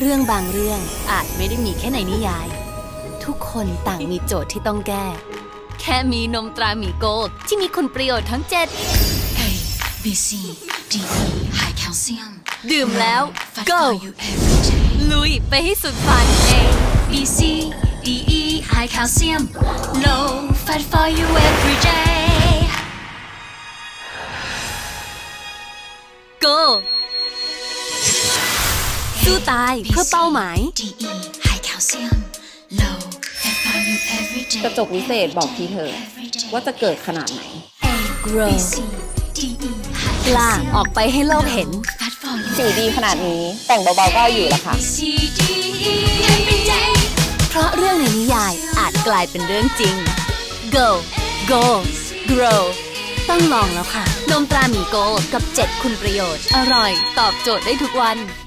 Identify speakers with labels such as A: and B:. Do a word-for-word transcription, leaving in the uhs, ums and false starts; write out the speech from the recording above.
A: เรื่องบางเรื่องอาจไม่ได้มีแค่ในนิยายทุกคนต่างมีโจทย์ที่ต้องแก้แค่มีนมตราหมีโกลด์ที่มีคุณประโยชน์ทั้งเจ็ด
B: A B C D E High Calcium
A: ดื่มแล้ว
B: Fight
A: go
B: for you every day
A: ลุยไปให้สุดฝัน
B: A B C D E High Calcium Low Fat for you every day
A: go สู้ตายเพื่อเป้าหมาย
B: D E High Calcium Low Fat for you every day
C: กระจกวิเศษบอกทีเธอว่าจะเกิดขนาดไหน
B: A
A: grow
B: B C D E High
A: กล้า
B: Calcium
A: ออกไปให้โลกเห็น
B: Fat for you
C: สีดีขนาดนี้แต่งเบาๆก็เอาอยู่ละค่ะ
B: C D E every day
A: เพราะเรื่องในนิยายอาจกลายเป็นเรื่องจริง go go grow ต้องลองแล้วค่ะ นมตราหมีโกลด์กับเจ็ดคุณประโยชน์ อร่อย ตอบโจทย์ได้ทุกวัน